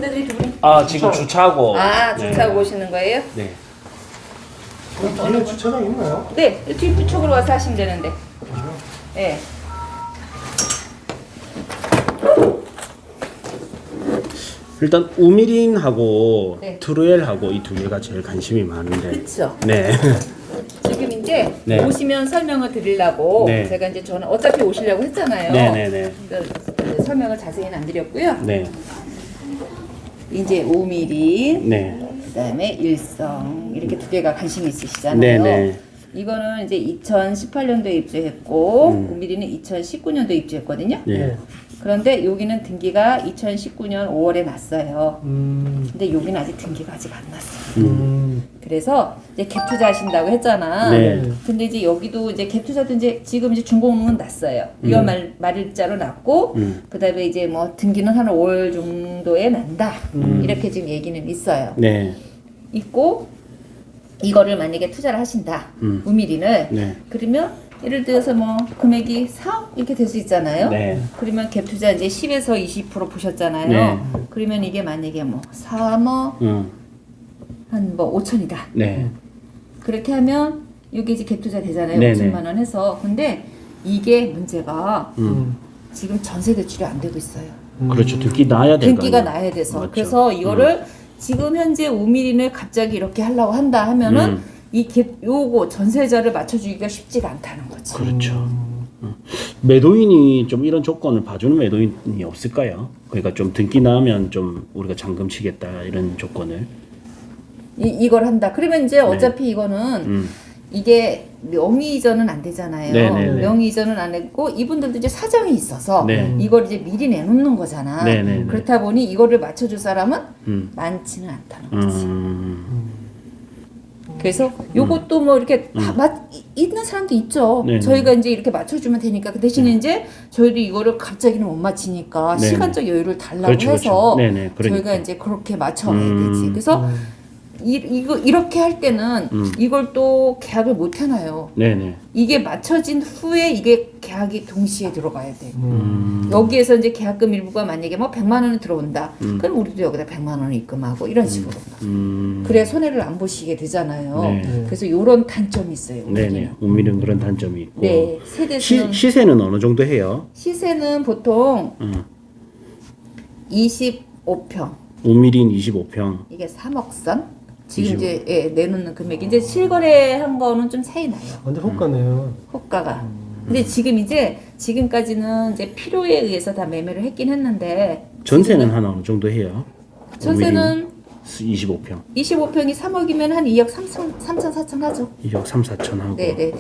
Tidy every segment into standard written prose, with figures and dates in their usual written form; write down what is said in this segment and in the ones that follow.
손님들이 두 분이. 아 지금 주차하고. 아, 주차하고 오시는 거예요? 네. 뒤에 주차장 있나요? 네, 뒤쪽으로 와서 하시면 되는데. 네. 일단 우미린하고 네. 트루엘하고 이 두 개가 제일 관심이 많은데. 그렇죠. 네. 지금 이제 네. 오시면 설명을 드리려고 네. 제가 이제 저는 어차피 오시려고 했잖아요. 네네네. 그러니까 설명을 자세히는 안 드렸고요. 네. 이제 5mm, 네. 그다음에 일성 이렇게 두 개가 관심이 있으시잖아요. 네네. 이거는 이제 2018년도에 입주했고 5mm는 2019년도에 입주했거든요. 네. 그런데 여기는 등기가 2019년 5월에 났어요. 근데 여기는 아직 등기가 아직 안 났어요. 그래서 이제 갭 투자하신다고 했잖아. 네. 근데 이제 여기도 이제 갭 투자도 이제 지금 이제 준공은 났어요. 2월 말일자로 났고, 그다음에 이제 뭐 등기는 한 5월 정도에 난다. 이렇게 지금 얘기는 있어요. 네. 있고 이거를 만약에 투자를 하신다. 우미린을 네. 그러면 예를 들어서 뭐 금액이 4억 이렇게 될 수 있잖아요. 네. 그러면 갭 투자 이제 10에서 20% 보셨잖아요. 네. 그러면 이게 만약에 뭐 3억 한 뭐 5천이다. 네. 그렇게 하면 이게 이제 갭 투자 되잖아요. 네네. 5천만 원 해서. 근데 이게 문제가 지금 전세 대출이 안 되고 있어요. 그렇죠. 등기 나야 될 거 등기가 아니에요. 나야 돼서. 맞죠. 그래서 이거를 지금 현재 5mm를 갑자기 이렇게 하려고 한다 하면은 이 갭 요거 전세자를 맞춰주기가 쉽지가 않다는 거지. 그렇죠. 매도인이 좀 이런 조건을 봐주는 매도인이 없을까요? 그러니까 좀 등기 나면 좀 우리가 잔금 치겠다 이런 조건을. 이걸 한다. 그러면 이제 어차피 이거는 이게 명의 이전은 안 되잖아요. 네네네. 명의 이전은 안 했고 이분들도 이제 사정이 있어서 네. 이걸 이제 미리 내놓는 거잖아. 네네네. 그렇다 보니 이거를 맞춰줄 사람은 많지는 않다는 거지. 그래서 요것도 뭐 이렇게 있는 사람도 있죠. 네네. 저희가 이제 이렇게 맞춰주면 되니까 그 대신에 이제 저희도 이거를 갑자기는 못 맞히니까 네네. 시간적 여유를 달라고 그렇죠, 해서 그렇죠. 네네, 그러니까. 저희가 이제 그렇게 맞춰야 되지. 그래서 이렇게 할 때는 이걸 또 계약을 못 해놔요. 네네. 이게 맞춰진 후에 이게 계약이 동시에 들어가야 돼. 여기에서 이제 계약금 일부가 만약에 뭐 100만 원이 들어온다. 그럼 우리도 여기다 100만 원을 입금하고 이런 식으로. 그래야 손해를 안 보시게 되잖아요. 네. 그래서 이런 단점이 있어요. 네네. 우미는 그런 단점이 있고. 네. 세대수는 시세는 어느 정도 해요? 시세는 보통 25평. 우미린 25평. 이게 3억 선. 지금 25. 이제 예, 내놓는 금액이 이제 실거래한 거는 좀 차이 나요. 완전 호가네요. 호가가. 근데 지금 이제 지금까지는 이제 필요에 의해서 다 매매를 했긴 했는데 전세는 한 어느 정도 해요? 전세는 25평. 25평이 3억이면 한 2억 3천 4천 하죠. 2억 3, 4천 하고. 네네네.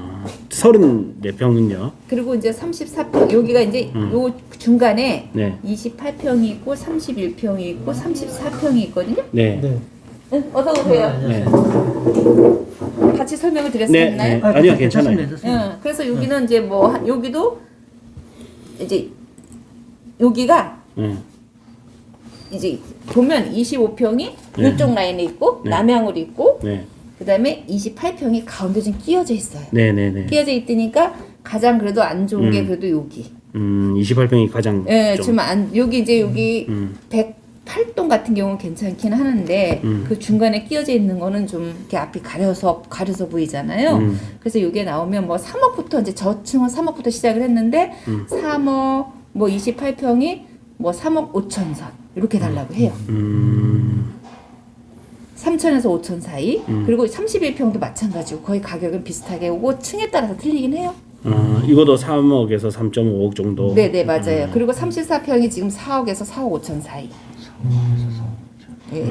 34평은요? 그리고 이제 34평 여기가 이제 요 중간에 네. 28평이 있고 31평이 있고 34평이 있거든요. 네. 네. 응, 어서 오세요. 네. 같이 설명을 드릴 수 네. 있나요? 네. 아니요, 괜찮아요. 응, 그래서 여기는 이제 뭐 여기도 이제 여기가 네. 이제 보면 25평이 네. 이쪽 라인에 있고 네. 남향으로 있고 네. 그다음에 28평이 가운데 좀 끼어져 있어요. 네네네. 끼어져 있으니까 가장 그래도 안 좋은 게 그래도 여기. 28평이 가장 예, 좀. 좀 안 여기 이제 여기 108동 같은 경우는 괜찮긴 하는데 그 중간에 끼어져 있는 거는 좀 이렇게 앞이 가려서 보이잖아요. 그래서 이게 나오면 뭐 3억부터 이제 저층은 3억부터 시작을 했는데 3억 뭐 28평이 뭐 3억 5천 선 이렇게 달라고 해요. 3천에서 5천 사이. 그리고 31평도 마찬가지고 거의 가격은 비슷하게 오고 층에 따라서 틀리긴 해요. 이것도 3억에서 3.5억 정도. 네네 맞아요. 그리고 34평이 지금 4억에서 4억 5천 사이. 네.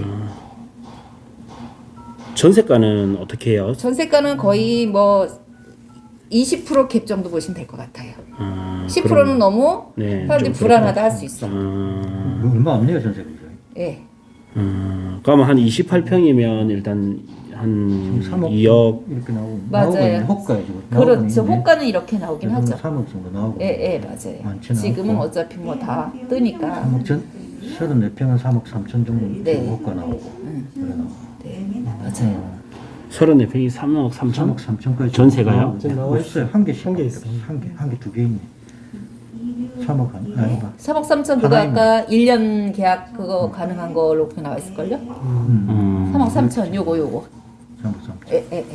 전세가는 어떻게 해요? 전세가는 거의 뭐 20%갭 정도 보시면 될 것 같아요. 10%는 그럼- 너무 네, 사람들이 좀 불안하다 할 수 있어. 얼마 없네요 전세가. 예. 그러면 한 28평이면 일단 한 3억 2억. 이렇게 나오고 맞아요. 나오고 있는 호가에 지금 그렇죠. 호가는 이렇게 나오긴 하죠. 3억 정도 나오고. 예, 예, 맞아요. 많지는 지금은 않고. 어차피 뭐 다 뜨니까. 3억 전 34평은 3억 3천 정도 네. 호가 나오고. 그래 나오고. 네, 맞아요. 34평이 3억 3천? 3억 3천까지 전세가요? 지금 나와 없어요. 한 개씩. 한개 있어요. 한 개 두 개 있네. 3억 아니다. 3억 3천 그거 하나이면. 아까 1년 계약 그거 가능한 걸로 나와 있을걸요? 3억 3천 요거 3억 3천. 예.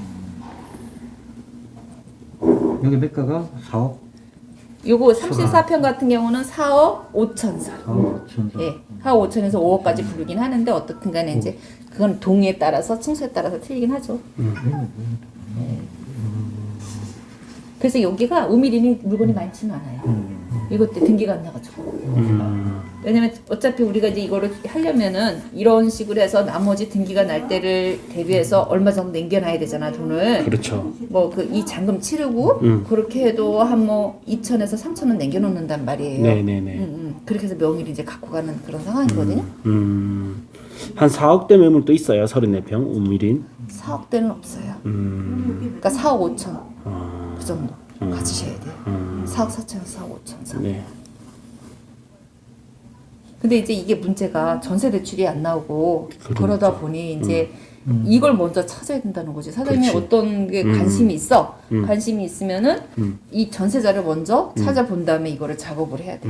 여기 매가가 4억 요거 34평 같은 경우는 4억 5천 선. 4억 5천 선. 예. 4억 5천에서 5억까지 부르긴 하는데 어떻든 간에 이제 그건 동의에 따라서 층수에 따라서 틀리긴 하죠. 그래서 여기가 우미린이 물건이 많지는 않아요. 이것 때 등기가 안 나가지고. 왜냐면 어차피 우리가 이제 이거를 하려면은 이런 식으로 해서 나머지 등기가 날 때를 대비해서 얼마 정도 남겨놔야 되잖아, 돈을. 그렇죠. 뭐 그 이 잔금 치르고 그렇게 해도 한 뭐 2천에서 3천은 남겨놓는단 말이에요. 네네네. 그렇게 해서 명의를 이제 갖고 가는 그런 상황이거든요. 한 4억대 매물도 있어요. 34평 우미린. 4억대는 없어요. 그러니까 4억 5천 그 정도 가지셔야 돼요. 4억 4천, 4억 5천 선. 네. 근데 이제 이게 문제가 전세 대출이 안 나오고 그러니까. 그러다 보니 이제 이걸 먼저 찾아야 된다는 거지. 사장님이 그렇지. 어떤 게 관심이 있어. 관심이 있으면은 이 전세자를 먼저 찾아본 다음에 이거를 작업을 해야 돼.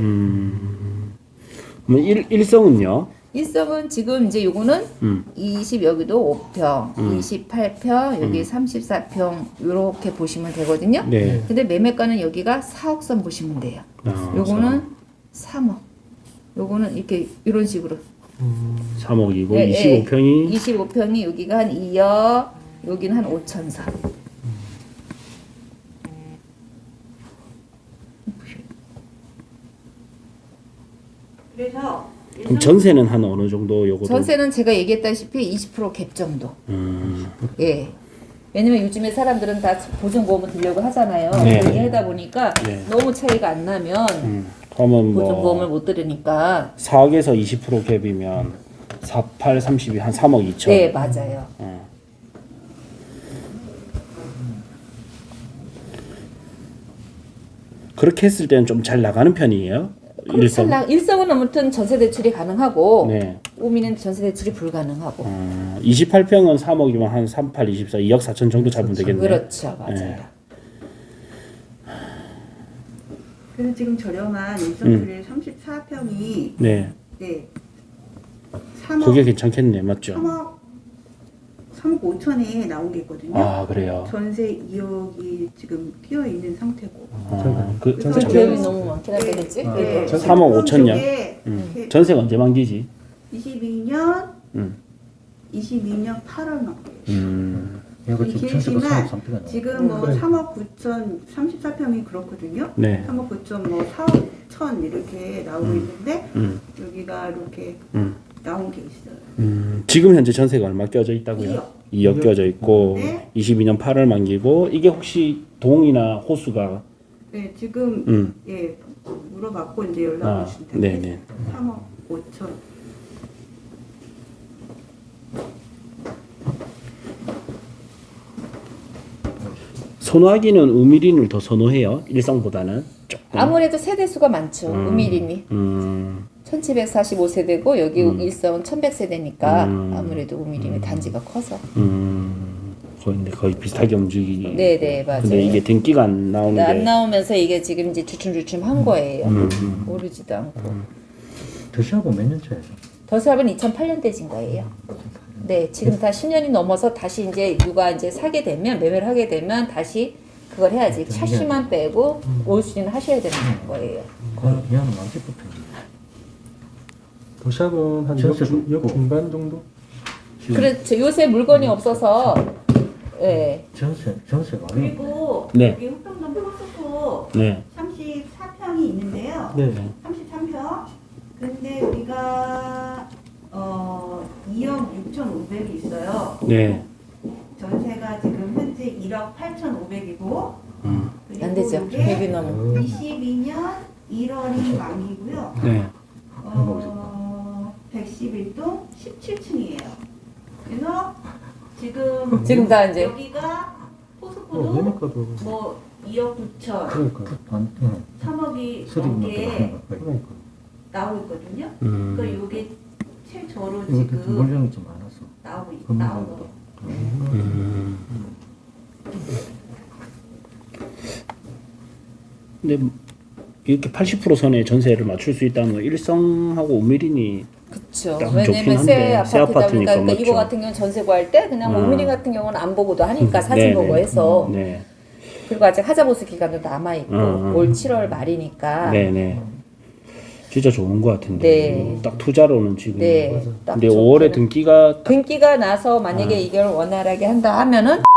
그럼 일성은요? 일성은 지금 이제 요거는 20 여기도 5평, 28평, 여기 34평 요렇게 보시면 되거든요. 네. 근데 매매가는 여기가 4억 선 보시면 돼요. 아, 요거는 3억. 요거는 이렇게 이런 식으로 3억이고 예, 25평이 25평이 여기가 한 2억, 여기는 한 5천 선. 그래서 그럼 전세는 한 어느 정도 요거도 전세는 제가 얘기했다시피 20%갭 정도. 예. 왜냐면 요즘에 사람들은 다 보증보험을 들려고 하잖아요. 네. 그렇게 하다 보니까 네. 너무 차이가 안 나면 그러면 보증보험을 뭐 못 들으니까. 4억에서 20% 갭이면 48, 32, 한 3억 2천. 네, 맞아요. 그렇게 했을 때는 좀 잘 나가는 편이에요. 일성. 일성은 아무튼 전세 대출이 가능하고 네. 우미는 전세 대출이 불가능하고. 28평은 3억이면 한 38, 24, 2억 4천 정도 잡으면 되겠네요. 그렇죠, 맞아요. 네. 그래서 지금 저렴한 일성필의 34평이 네. 네 3억 그게 괜찮겠네, 맞죠? 3억 5천에 나온 게 있거든요. 아, 그래요. 전세 2억이 지금 끼어 있는 상태고. 그 전세 좀 계획이 계획이 너무 많긴 하다, 그치? 네. 3억 5천요? 이렇게 전세가 언제 만기지? 22년 음. 22년 8월 만기. 여기 지금 전세가 3억 3천가 나와. 지금 뭐 3억 9천 34평이 그렇거든요. 네. 3억 9천 뭐 4억 천 이렇게 나오고 있는데 여기가 이렇게 나온 게 있어요. 지금 현재 전세가 얼마 껴져 있다고요? 2억 껴져 있고 네. 22년 8월 만기고 이게 혹시 동이나 호수가 네, 지금 예 물어봤고 이제 연락 주실 텐데 네네. 3억 5천. 선호하기는 우미린을 더 선호해요. 일성보다는 조금. 아무래도 세대수가 많죠, 우미린이. 1745세대고 여기 일성은 1100세대니까 아무래도 우미림의 단지가 커서. 거의 비슷하게 움직이기. 네네, 맞아요. 근데 이게 등기가 안 나오는 게. 안 나오면서 이게 지금 이제 주춤주춤한 거예요. 오르지도 않고. 더샵은 몇 년 차에서? 더샵은 2008년대진 거예요. 네, 지금 다 10년이 넘어서 다시 이제 누가 이제 사게 되면 매매를 하게 되면 다시 그걸 해야지. 차시만 빼고 올 수리는 하셔야 되는 거예요. 얘는 완전부터 도샵은 한 전세 6 중반 정도? 그렇죠. 요새 물건이 없어서 예. 전세가 아니에요. 그리고 네. 여기 후평동 포스코 네. 34평이 있는데요. 네. 33평. 근데 우리가 2억 6,500이 있어요. 네. 전세가 지금 현재 1억 8,500이고 안 되죠. 갭이 너무. 22년 1월이 만기고요. 네. 111동 17층이에요. 그래서 지금 지금 다 이제 여기가 포스코도 매매가도 뭐 2억 9천, 그러니까 3억이 수익 넘게 나고 그러니까 나오고 있거든요. 그러니까 이게 최저로 이것도 지금 물량이 좀 많아서 나오고 근데 이렇게 80% 선에 전세를 맞출 수 있다면 일성하고 우미린이 그렇죠. 딱 왜냐면 좋긴 새 한데, 아파트다 새 아파트니까 보니까 그러니까 맞죠. 이거 같은 경우는 전세 구할 때 그냥 오미리 같은 경우는 안 보고도 하니까 사진 네네. 보고 해서 네. 그리고 아직 하자보수 기간도 남아 있고 올 7월 말이니까 네네. 진짜 좋은 것 같은데. 네. 딱 투자로는 지금. 네. 딱 근데 좋기는. 5월에 등기가 딱 등기가 나서 만약에 이걸 원활하게 한다 하면은